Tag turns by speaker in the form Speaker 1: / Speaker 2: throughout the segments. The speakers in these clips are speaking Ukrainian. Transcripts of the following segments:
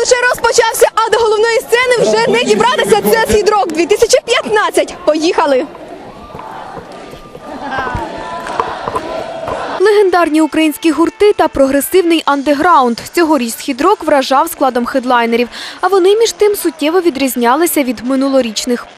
Speaker 1: лише розпочався, а до головної сцени вже не дібратися. Це «Схід-Рок 2015». Поїхали! Легендарні українські гурти та прогресивний андеграунд. Цьогоріч «Схід-Рок» вражав складом хедлайнерів, а вони між тим суттєво відрізнялися від минулорічних.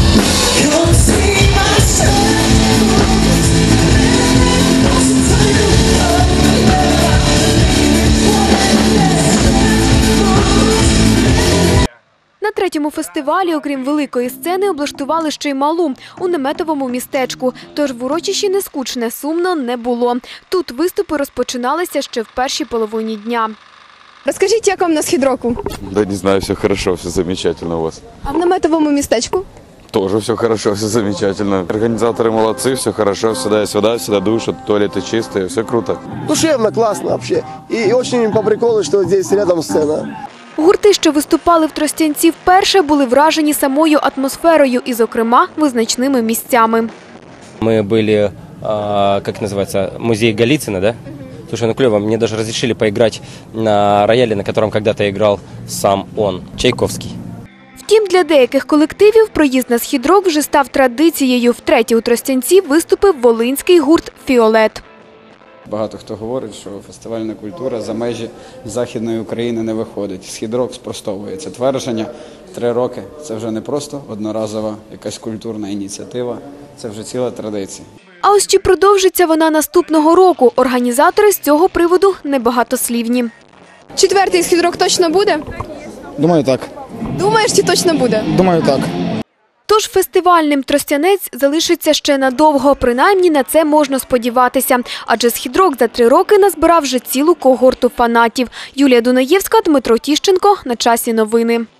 Speaker 1: На третьому фестивалі, окрім великої сцени, облаштували ще й малу у наметовому містечку. Тож в урочищі не скучне, сумно не було. Тут виступи розпочиналися ще в першій половині дня. Розкажіть, як вам на «Схід-Року»?
Speaker 2: Да не знаю, все хорошо, все замечательно у вас.
Speaker 1: А в наметовому містечку?
Speaker 2: Тоже все хорошо, все замечательно. Организаторы молодцы, все хорошо, всегда есть вода, всегда душат, туалеты чистые, все круто.
Speaker 3: Душевно, классно вообще. И очень по приколу, что здесь рядом сцена.
Speaker 1: Гурти, що виступали в Тростянці вперше, були вражені самою атмосферою і, зокрема, визначними місцями.
Speaker 4: Мы были, как называется, музей Голицына, да? Слушай, ну клево, мне даже разрешили поиграть на рояле, на котором когда-то играл сам он, Чайковский.
Speaker 1: Втім, для деяких колективів проїзд на «Схід-Рок» вже став традицією. Втретє у Тростянці виступив волинський гурт «Фіолет».
Speaker 5: Багато хто говорить, що фестивальна культура за межі Західної України не виходить. «Схід-Рок» спростовує це твердження. 3 роки – це вже не просто одноразова якась культурна ініціатива, це вже ціла традиція.
Speaker 1: А ось чи продовжиться вона наступного року? Організатори з цього приводу небагатослівні. Четвертий «Схід-Рок» точно буде?
Speaker 3: Думаю, так.
Speaker 1: Думаєш, чи точно буде?
Speaker 3: Думаю, так.
Speaker 1: Тож фестивальним Тростянець залишиться ще надовго, принаймні на це можна сподіватися. Адже «Схід-Рок» за 3 роки назбирав вже цілу когорту фанатів. Юлія Дунаєвська, Дмитро Тіщенко. На часі новини.